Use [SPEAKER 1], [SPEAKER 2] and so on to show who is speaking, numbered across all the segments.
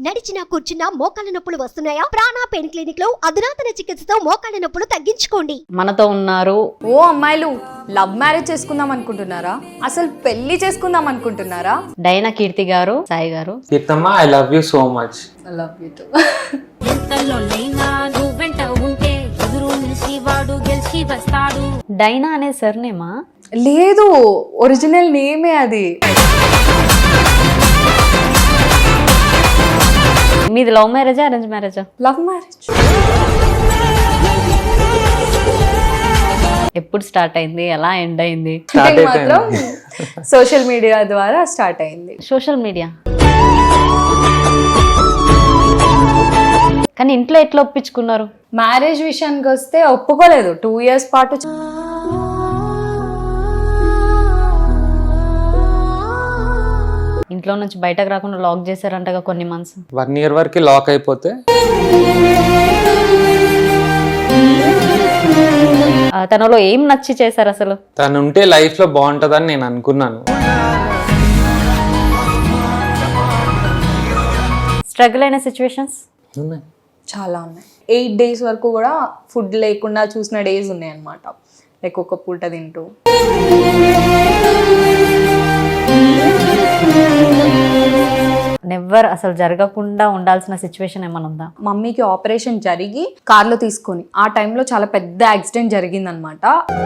[SPEAKER 1] నడిచినా కూర్చున్నా మోకాళ్ళ నొప్పులు వస్తున్నాయా? ప్రాణ పెయిన్ క్లినిక్ లో అధునాతన చికిత్సతో మోకాళ్ళ నొప్పులు తగ్గించుకోండి.
[SPEAKER 2] మనతో ఉన్నారు.
[SPEAKER 3] ఓ అమ్మాయిలు లవ్ మ్యారేజ్ చేసుకుందాం అనుకుంటున్నారా? అసలు పెళ్లి చేసుకుందాం అనుకుంటున్నారా?
[SPEAKER 2] డైనా కీర్తి గారు, సాయి గారు.
[SPEAKER 4] కీర్తమ్మ, I love you so much.
[SPEAKER 3] I love you too.
[SPEAKER 2] డైనా అనే సర్నేమా?
[SPEAKER 3] లేదు, ఒరిజినల్ నేమే అది.
[SPEAKER 2] మీది లవ్ మ్యారేజా, అరేంజ్ మ్యారేజా?
[SPEAKER 3] Love marriage.
[SPEAKER 2] ఎప్పుడు స్టార్ట్ అయింది, ఎలా ఎండ్ అయింది?
[SPEAKER 3] అంటే మాత్రం సోషల్ మీడియా ద్వారా స్టార్ట్ అయింది.
[SPEAKER 2] Social media. కానీ ఇంట్లో ఎట్లా ఒప్పించుకున్నారు?
[SPEAKER 3] మ్యారేజ్ విషయానికి వస్తే ఒప్పుకోలేదు. 2 years పాటు
[SPEAKER 2] ఇంట్లో నుంచి బయటకు రాకుండా లాక్ చేశారంటగా కొన్ని మంత్స్.
[SPEAKER 4] 1 year వరకు లాక్ అయిపోతే
[SPEAKER 2] తనలో ఏం నచ్చి చేశారు అసలు?
[SPEAKER 4] తను ఉంటే లైఫ్ లో బాగుంటదని నేను అనుకున్నాను.
[SPEAKER 2] స్ట్రగుల్ అయిన సిచ్యువేషన్స్
[SPEAKER 3] చాలా ఉన్నాయి. 8 days వరకు కూడా ఫుడ్ లేకుండా చూసిన డేస్ ఉన్నాయి అన్నమాట. లైక్ ఒక పూట తింటూ.
[SPEAKER 2] నెవర్ అసలు జరగకుండా ఉండాల్సిన సిచ్యువేషన్ ఏమైనా ఉందా?
[SPEAKER 3] మమ్మీకి ఆపరేషన్ జరిగి కార్లో తీసుకొని ఆ టైంలో చాలా పెద్ద యాక్సిడెంట్ జరిగిందనమాట.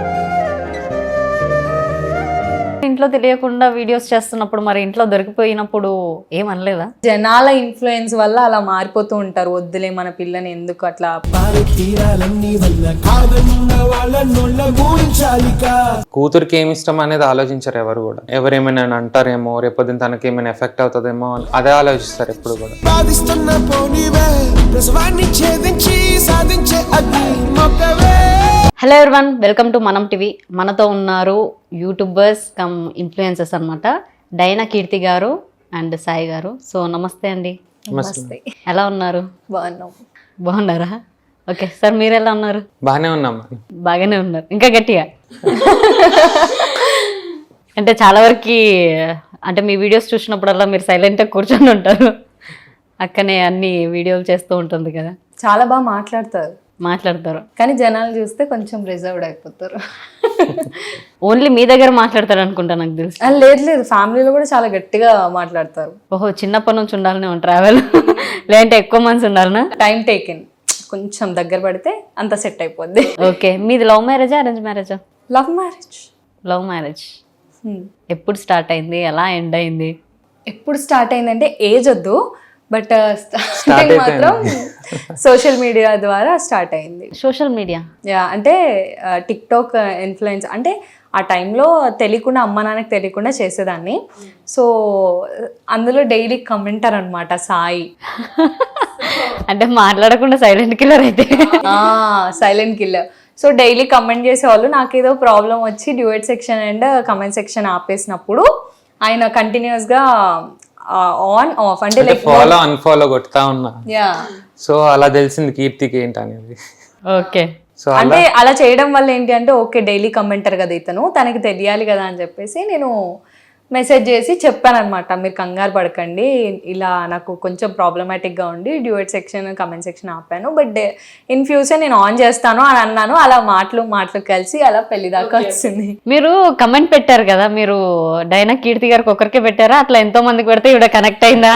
[SPEAKER 2] ఇంట్లో తెలియకుండా వీడియోస్ చేస్తున్నప్పుడు మరి ఇంట్లో దొరికిపోయినప్పుడు ఏమనలేదా?
[SPEAKER 3] జనాల ఇన్ఫ్లుయెన్స్ వల్ల అలా మారిపోతూ ఉంటారు. వద్దులే మన పిల్లని ఎందుకు అట్లా.
[SPEAKER 4] కూతురికి ఏమి ఇష్టం అనేది ఆలోచించారు ఎవరు కూడా. ఎవరేమైనా అంటారేమో, రేపొద్దున తనకి ఏమైనా ఎఫెక్ట్ అవుతుందేమో అదే ఆలోచిస్తారు ఎప్పుడు కూడా.
[SPEAKER 2] Hello everyone, welcome to Manam TV. మనతో ఉన్నారు యూట్యూబర్స్ కమ్ ఇన్ఫ్లుయెన్సర్స్ అన్నమాట, డైనా కీర్తి గారు అండ్ సాయి గారు. సో నమస్తే అండి.
[SPEAKER 3] నమస్తే.
[SPEAKER 2] ఎలా ఉన్నారు?
[SPEAKER 3] బాగున్నాం.
[SPEAKER 2] బాగున్నారా? ఓకే సార్, మీరు ఎలా ఉన్నారు?
[SPEAKER 4] బాగానే ఉన్నాం.
[SPEAKER 2] బాగానే ఉన్నారు, ఇంకా గట్టిగా. అంటే చాలా వరకు అంటే మీ వీడియోస్ చూసినప్పుడల్లా మీరు సైలెంట్గా కూర్చొని ఉంటారు, అక్కనే అన్ని వీడియోలు చేస్తూ ఉంటుంది కదా.
[SPEAKER 3] చాలా బాగా మాట్లాడతారు కానీ జనాలు చూస్తే కొంచెం రిజర్వ్డ్ అయిపోతారు.
[SPEAKER 2] ఓన్లీ మీ దగ్గర మాట్లాడతారు అనుకుంటా నాకు తెలుసు.
[SPEAKER 3] లేదు, ఫ్యామిలీలో కూడా చాలా గట్టిగా మాట్లాడతారు.
[SPEAKER 2] ఓహో, చిన్నప్పటి నుంచి ఉండాలనే ట్రావెల్ లేదంటే ఎక్కువ మంత్స్ ఉండాలనా?
[SPEAKER 3] టైం టేకెన్, కొంచెం దగ్గర పడితే అంత సెట్ అయిపోద్ది.
[SPEAKER 2] ఓకే, మీది లవ్ మ్యారేజా, అరేంజ్ మ్యారేజా?
[SPEAKER 3] Love marriage.
[SPEAKER 2] Love marriage. ఎప్పుడు స్టార్ట్ అయింది, ఎలా ఎండ్ అయింది?
[SPEAKER 3] ఎప్పుడు స్టార్ట్ అయిందంటే ఏజ్ వద్దు, బట్ మాత్రం సోషల్ మీడియా ద్వారా స్టార్ట్ అయింది.
[SPEAKER 2] సోషల్ మీడియా
[SPEAKER 3] అంటే టిక్టాక్ ఇన్ఫ్లుయెన్స్. అంటే ఆ టైంలో తెలియకుండా, అమ్మ నాన్నకి తెలియకుండా చేసేదాన్ని. సో అందులో డైలీ కమెంటర్ అనమాట సాయి.
[SPEAKER 2] అంటే మాట్లాడకుండా సైలెంట్ కిల్లర్ అయితే.
[SPEAKER 3] Silent killer. So daily comment చేసేవాళ్ళు. నాకేదో ప్రాబ్లం వచ్చి duet section and comment section ఆపేసినప్పుడు ఆయన కంటిన్యూస్గా ఆన్ ఆఫ్ అంటే లైక్
[SPEAKER 4] ఫాలో అన్ఫాలో కొడతా ఉన్నా. సో అలా తెలిసింది కీర్తికి ఏంటి అనేది.
[SPEAKER 2] ఓకే,
[SPEAKER 4] సో
[SPEAKER 3] అంటే అలా చేయడం వల్ల ఏంటి అంటే ఓకే డైలీ కమెంటర్ కదా ఇతను, తనకి తెలియాలి కదా అని చెప్పేసి నేను మెసేజ్ చేసి చెప్పాను అనమాట. మీరు కంగారు పడకండి, ఇలా నాకు కొంచెం ప్రాబ్లమాటిక్గా ఉండి డ్యూయట్ సెక్షన్ కమెంట్ సెక్షన్ ఆపాను, బట్ ఇన్ ఫ్యూచర్ నేను ఆన్ చేస్తాను అని అన్నాను. అలా మాటలు కలిసి అలా పెళ్లి దాకా వచ్చింది.
[SPEAKER 2] మీరు కమెంట్ పెట్టారు కదా, మీరు డైనా కీర్తి గారికి ఒకరికే పెట్టారా, అట్లా ఎంతో మందికి పెడితే ఇవిడ కనెక్ట్ అయిందా?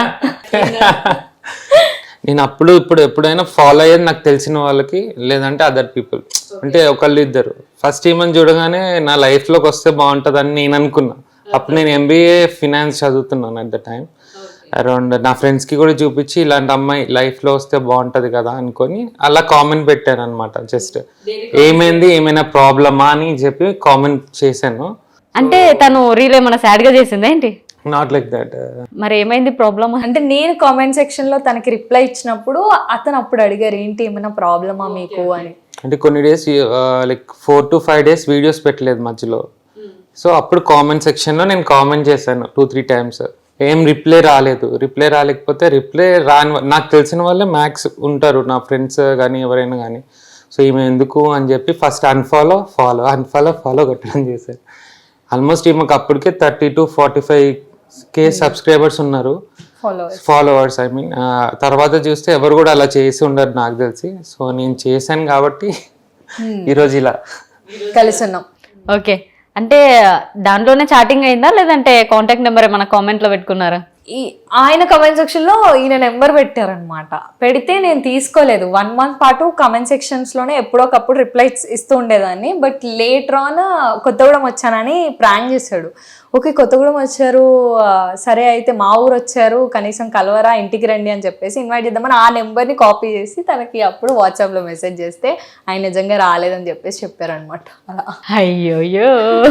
[SPEAKER 4] నేను ఇప్పుడు ఎప్పుడైనా ఫాలో అయ్యేది నాకు తెలిసిన వాళ్ళకి, లేదంటే అదర్ పీపుల్. అంటే ఒకళ్ళు ఇద్దరు. ఫస్ట్ ఈమెను చూడగానే నా లైఫ్లోకి వస్తే బాగుంటుందని నేను అనుకున్నా. అప్పుడు నేను MBA ఫినాన్స్ చదువుతున్నాను అట్ ద టైం. అరౌండ్ నా ఫ్రెండ్స్కి కూడా చూపించి ఇలాంటి అమ్మాయి లైఫ్లో వస్తే బాగుంటుంది కదా అనుకొని అలా కామెంట్ పెట్టాను అనమాట. జస్ట్ ఏమైంది, ఏమైనా ప్రాబ్లమా అని చెప్పి కామెంట్ చేశాను.
[SPEAKER 2] అంటే తను రీల్ ఏమైనా సాడ్ గా చేసిందా ఏంటి?
[SPEAKER 4] Not like that.
[SPEAKER 2] మరి ఏమైంది ప్రాబ్లమ్?
[SPEAKER 3] అంటే నేను కామెంట్ సెక్షన్ లో తనకి రిప్లై ఇచ్చినప్పుడు అతను అప్పుడు అడిగారు ఏంటి ఏమైనా ప్రాబ్లమా మీకు అని. అంటే
[SPEAKER 4] కొన్ని days like 4 to 5 days videos పెట్టలేదు మధ్యలో. సో అప్పుడు కామెంట్ సెక్షన్లో నేను కామెంట్ చేశాను 2-3 times. ఏం రిప్లై రాలేకపోతే రిప్లై రాని నాకు తెలిసిన వాళ్ళే మ్యాక్స్ ఉంటారు, నా ఫ్రెండ్స్ కానీ ఎవరైనా కానీ. సో ఈమె ఎందుకు అని చెప్పి ఫస్ట్ అన్ఫాలో కొట్టడం చేశాను. ఆల్మోస్ట్ ఈమెకు అప్పటికే 30 to 45K సబ్స్క్రైబర్స్ ఉన్నారు. Followers I mean. తర్వాత చూస్తే ఎవరు కూడా అలా చేసి ఉండరు నాకు తెలిసి. సో నేను చేశాను కాబట్టి ఈరోజు ఇలా
[SPEAKER 3] కలిసి ఉన్నాం.
[SPEAKER 2] ఓకే, అంటే దాంట్లోనే చాటింగ్ అయిందా లేదంటే కాంటాక్ట్ నెంబర్ ఏమైనా కామెంట్లో పెట్టుకున్నారా?
[SPEAKER 3] ఆయన కమెంట్ సెక్షన్ లో ఈయన నెంబర్ పెట్టారనమాట. పెడితే నేను తీసుకోలేదు. 1 month పాటు కమెంట్ సెక్షన్స్ లోనే ఎప్పుడోకప్పుడు రిప్లైస్ ఇస్తూ ఉండేదాన్ని. బట్ లేటర్ ఆన్ కొత్తగూడెం వచ్చానని ప్రాంక్ చేశాడు. ఓకే కొత్తగూడెం వచ్చారు, సరే అయితే మా ఊరు వచ్చారు, కనీసం కలవరా, ఇంటికి రండి అని చెప్పేసి ఇన్వైట్ చేద్దామని ఆ నెంబర్ని కాపీ చేసి తనకి అప్పుడు వాట్సాప్లో మెసేజ్ చేస్తే ఆయన నిజంగా రాలేదని చెప్పేసి చెప్పారనమాట. అలా
[SPEAKER 2] అయ్యోయ్యో,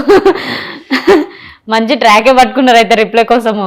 [SPEAKER 2] మంచి ట్రాకే పట్టుకున్నారు అయితే రిప్లై కోసము.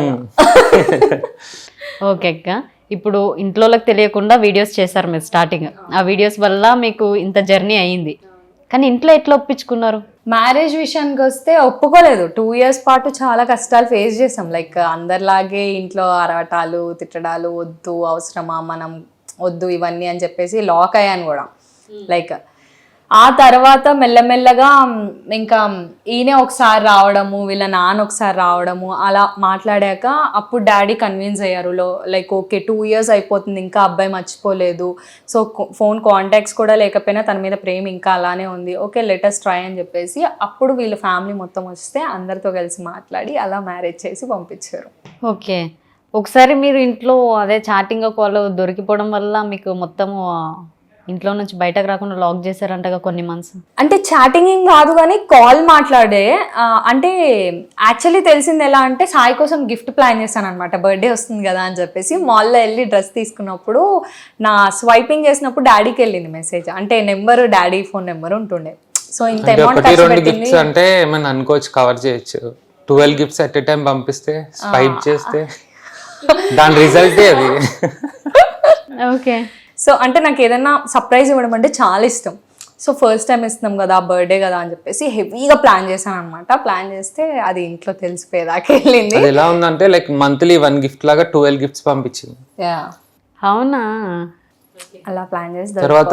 [SPEAKER 2] ఓకే అక్క, ఇప్పుడు ఇంట్లోకి తెలియకుండా వీడియోస్ చేశారు మీరు స్టార్టింగ్. ఆ వీడియోస్ వల్ల మీకు ఇంత జర్నీ అయ్యింది, కానీ ఇంట్లో ఎట్లా ఒప్పించుకున్నారు?
[SPEAKER 3] మ్యారేజ్ విషయానికి వస్తే ఒప్పుకోలేదు. 2 years పాటు చాలా కష్టాలు ఫేస్ చేసాం. లైక్ అందరిలాగే ఇంట్లో అరవటాలు తిట్టడాలు, వద్దు అవసరమా మనం వద్దు ఇవన్నీ అని చెప్పేసి లాక్ అయ్యాను కూడా. లైక్ ఆ తర్వాత మెల్లమెల్లగా ఇంకా ఈయనే ఒకసారి రావడము, వీళ్ళ నాన్న ఒకసారి రావడము, అలా మాట్లాడాక అప్పుడు డాడీ కన్విన్స్ అయ్యారు. లైక్ ఓకే 2 years అయిపోతుంది, ఇంకా అబ్బాయి మర్చిపోలేదు, సో ఫోన్ కాంటాక్ట్స్ కూడా లేకపోయినా తన మీద ప్రేమ ఇంకా అలానే ఉంది, ఓకే లెటెస్ట్ ట్రై అని చెప్పేసి అప్పుడు వీళ్ళ ఫ్యామిలీ మొత్తం వస్తే అందరితో కలిసి మాట్లాడి అలా మ్యారేజ్ చేసి పంపించారు.
[SPEAKER 2] ఓకే, ఒకసారి మీరు ఇంట్లో అదే చాటింగ్ కాల్ దొరికిపోవడం వల్ల మీకు మొత్తము ఇంట్లో నుంచి బయటకు రాకుండా లాక్ చేశారంటగా కొన్ని మంత్స్.
[SPEAKER 3] అంటే చాటింగ్ కాదు కానీ కాల్ మాట్లాడే. అంటే యాక్చువల్లీ తెలిసింది ఎలా అంటే సాయి కోసం గిఫ్ట్ ప్లాన్ చేశాను అనమాట. బర్త్డే వస్తుంది కదా అని చెప్పేసి మాల్లో వెళ్ళి డ్రెస్ తీసుకున్నప్పుడు నా స్వైపింగ్ చేసినప్పుడు డాడీకి వెళ్ళింది మెసేజ్. అంటే నెంబర్ డాడీ ఫోన్ నెంబర్ ఉంటుండే. సో ఇంత అమౌంట్
[SPEAKER 4] 2 gifts అంటే ఏమైనా అనుకోవచ్చు, కవర్ చేయొచ్చు. 12 gifts ఎట్ ఎ టైం పంపిస్తే స్వైప్ చేస్తే దాని రిజల్టే అది.
[SPEAKER 2] ఓకే,
[SPEAKER 3] సో అంటే నాకు ఏదైనా సర్ప్రైజ్ ఇవ్వడం అంటే చాలా ఇష్టం. సో ఫస్ట్ టైం ఇస్తున్నాం కదా, బర్త్డే కదా అని చెప్పేసి హెవీగా ప్లాన్ చేశాను అనమాట. ప్లాన్ చేస్తే అది ఇంట్లో తెలిసిపోయేదాకా వెళ్ళింది.
[SPEAKER 4] అది ఎలా ఉందంటే లైక్ మంత్లీ 1 gift లాగా 12 gifts పంపించింది.
[SPEAKER 2] అవునా?
[SPEAKER 3] అలా ప్లాన్ చేసి
[SPEAKER 4] తర్వాత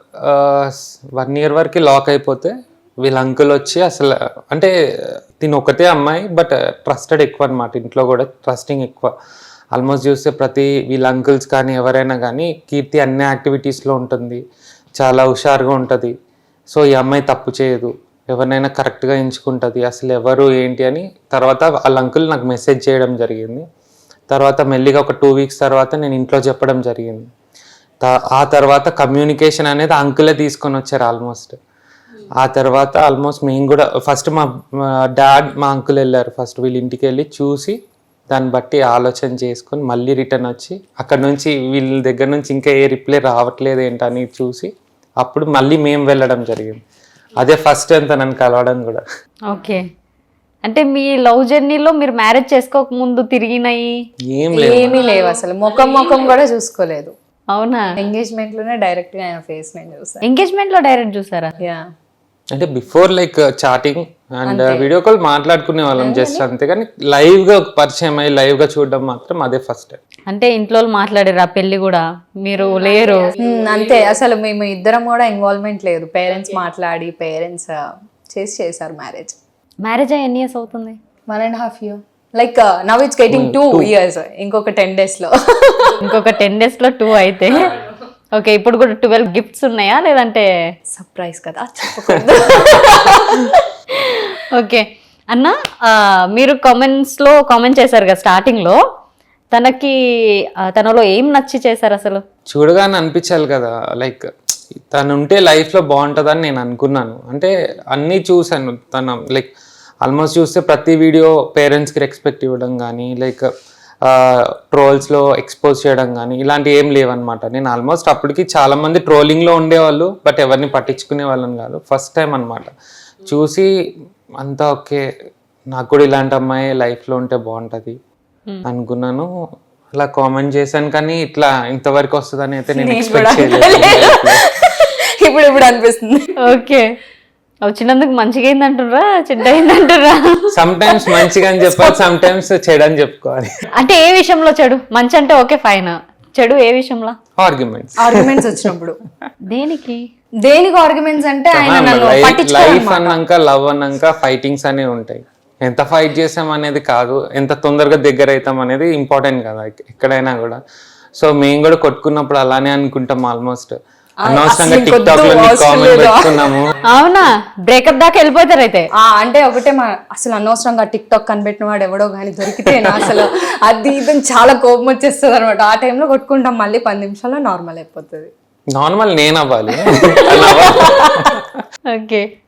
[SPEAKER 4] 1 year వరకు లాక్ అయిపోతే వీళ్ళ అంకుల్ వచ్చి అసలు అంటే తిని ఒకటే అమ్మాయి బట్ ట్రస్టెడ్ ఎక్కువ అనమాట. ఇంట్లో కూడా ట్రస్టింగ్ ఎక్కువ. ఆల్మోస్ట్ చూస్తే ప్రతి వీళ్ళ అంకుల్స్ కానీ ఎవరైనా కానీ కీర్తి అన్ని యాక్టివిటీస్లో ఉంటుంది, చాలా హుషారుగా ఉంటుంది. సో ఈ అమ్మాయి తప్పు చేయదు, ఎవరినైనా కరెక్ట్గా ఎంచుకుంటుంది, అసలు ఎవరు ఏంటి అని. తర్వాత వాళ్ళ అంకుల్ నాకు మెసేజ్ చేయడం జరిగింది. తర్వాత మెల్లిగా ఒక 2 weeks తర్వాత నేను ఇంట్లో చెప్పడం జరిగింది. ఆ తర్వాత కమ్యూనికేషన్ అనేది అంకులే తీసుకొని వచ్చారు ఆల్మోస్ట్. ఆ తర్వాత ఆల్మోస్ట్ మేము కూడా ఫస్ట్ మా డాడ్ మా అంకుల్ వెళ్ళారు. ఫస్ట్ వీళ్ళ ఇంటికి వెళ్ళి చూసి దాన్ని బట్టి ఆలోచన చేసుకొని మళ్ళీ రిటర్న్ వచ్చి అక్కడ నుంచి వీళ్ళ దగ్గర నుంచి ఇంకా ఏ రిప్లై రావట్లేదు ఏంటని చూసి అప్పుడు మళ్ళీ మేము వెళ్ళడం జరిగింది. అదే ఫస్ట్ అంత నన్ను కలవడం కూడా.
[SPEAKER 2] ఓకే, అంటే మీ లవ్ జర్నీలో మీరు మ్యారేజ్ చేసుకోక ముందు తిరిగినాయి
[SPEAKER 3] ఏమీ లేవు అసలు. ముఖం కూడా చూసుకోలేదు.
[SPEAKER 2] అవునా?
[SPEAKER 3] ఎంగేజ్మెంట్ లోనే డైరెక్ట్ గా ఆయన ఫేస్ నేను చూసాను.
[SPEAKER 2] ఎంగేజ్మెంట్ లో డైరెక్ట్ చూసారా?
[SPEAKER 3] యా,
[SPEAKER 4] అంటే before like chatting and video call మాట్లాడుకునే వాళ్ళం జస్ట్ అంతే, కానీ లైవ్ గా పరిచయం అయ్యి లైవ్ గా చూడడం మాత్రం అదే ఫస్ట్.
[SPEAKER 2] అంటే ఇంట్లో మాట్లాడారు, ఆ పెళ్లి కూడా మీరు లేరు
[SPEAKER 3] అంతే. అసలు మేము ఇద్దరం కూడా ఇన్వాల్వ్మెంట్ లేదు. పేరెంట్స్ మాట్లాడి పేరెంట్స్ చేశారు మ్యారేజ్.
[SPEAKER 2] మ్యారేజ్ అయ్యి ఎన్ని ఇయర్స్ అవుతుంది?
[SPEAKER 3] 1.5 years. Like now it's getting 2 years. ఇంకొక 10 days లో
[SPEAKER 2] ఇంకొక 10 days లో 2 అయితే ఓకే. ఇప్పుడు కూడా 12 gifts ఉన్నాయా లేదంటే
[SPEAKER 3] సర్ప్రైజ్ కదా చెప్పకూడదు.
[SPEAKER 2] ఓకే అన్న, మీరు కామెంట్స్లో కామెంట్ చేశారు కదా స్టార్టింగ్లో, తనలో ఏం నచ్చి చేశారు అసలు?
[SPEAKER 4] చూడగానే అనిపించాలి కదా, లైక్ తను ఉంటే లైఫ్లో బాగుంటుందని నేను అనుకున్నాను. అంటే అన్నీ చూశాను. తను లైక్ ఆల్మోస్ట్ చూస్తే ప్రతి వీడియో పేరెంట్స్కి రెస్పెక్ట్ ఇవ్వడం కానీ లైక్ ట్రోల్స్లో ఎక్స్పోజ్ చేయడం కానీ ఇలాంటివి ఏం లేవన్నమాట. నేను ఆల్మోస్ట్ అప్పటికి చాలామంది ట్రోలింగ్లో ఉండేవాళ్ళు బట్ ఎవరిని పట్టించుకునే వాళ్ళని కాదు. ఫస్ట్ టైం అనమాట చూసి అంతా ఓకే, నాకు కూడా ఇలాంటి అమ్మాయి లైఫ్లో ఉంటే బాగుంటుంది అనుకున్నాను. అలా కామెంట్ చేశాను, కానీ ఇట్లా ఇంతవరకు వస్తుందని అయితే నేను ఎక్స్పెక్ట్ చేయలేదు.
[SPEAKER 3] ఇప్పుడు అనిపిస్తుంది.
[SPEAKER 2] ఓకే, వచ్చినందుకు మంచిగా అయిందంటుర్రా చెడ్డ అయిందంటుర్రా?
[SPEAKER 4] సమ్ టైమ్స్ మంచిగా అని చెప్పాలి, సమ్ టైమ్స్ చెడు అని చెప్పుకోవాలి.
[SPEAKER 2] అంటే ఏ విషయంలో చెడు? మంచి అంటే ఓకే ఫైన్, చెడు ఏ విషయంలో?
[SPEAKER 3] ఆర్గ్యుమెంట్స్ వచ్చినప్పుడు.
[SPEAKER 2] దేనికి
[SPEAKER 3] ఆర్గ్యుమెంట్స్ అంటే ఆయన నన్ను
[SPEAKER 4] లైఫ్ అన్నాక లవ్ అన్నాక ఫైటింగ్స్ అనేవి ఉంటాయి. ఎంత ఫైట్ చేసాం అనేది కాదు, ఎంత తొందరగా దగ్గర అవుతాం అనేది ఇంపార్టెంట్ కదా ఎక్కడైనా కూడా. సో మేము కూడా కొట్టుకున్నప్పుడు అలానే అనుకుంటాం ఆల్మోస్ట్. అనవసరంగా టిక్ టాక్ లో కామెంట్ పెట్టుకున్నాము.
[SPEAKER 2] అవునా, బ్రేకప్ దాకా వెళ్ళిపోతారు అయితే.
[SPEAKER 3] అంటే ఒకటే అసలు అనవసరంగా టిక్ టాక్ కనిపెట్టిన వాడు ఎవడో కానీ దొరికితే అసలు అది ఇదని చాలా కోపం వచ్చేస్తుంది అనమాట. ఆ టైంలో కొట్టుకుంటాం, మళ్ళీ 10 నిమిషాల్లో నార్మల్ అయిపోతుంది.
[SPEAKER 4] నార్మల్ నేను అవ్వాలి.
[SPEAKER 2] ఓకే.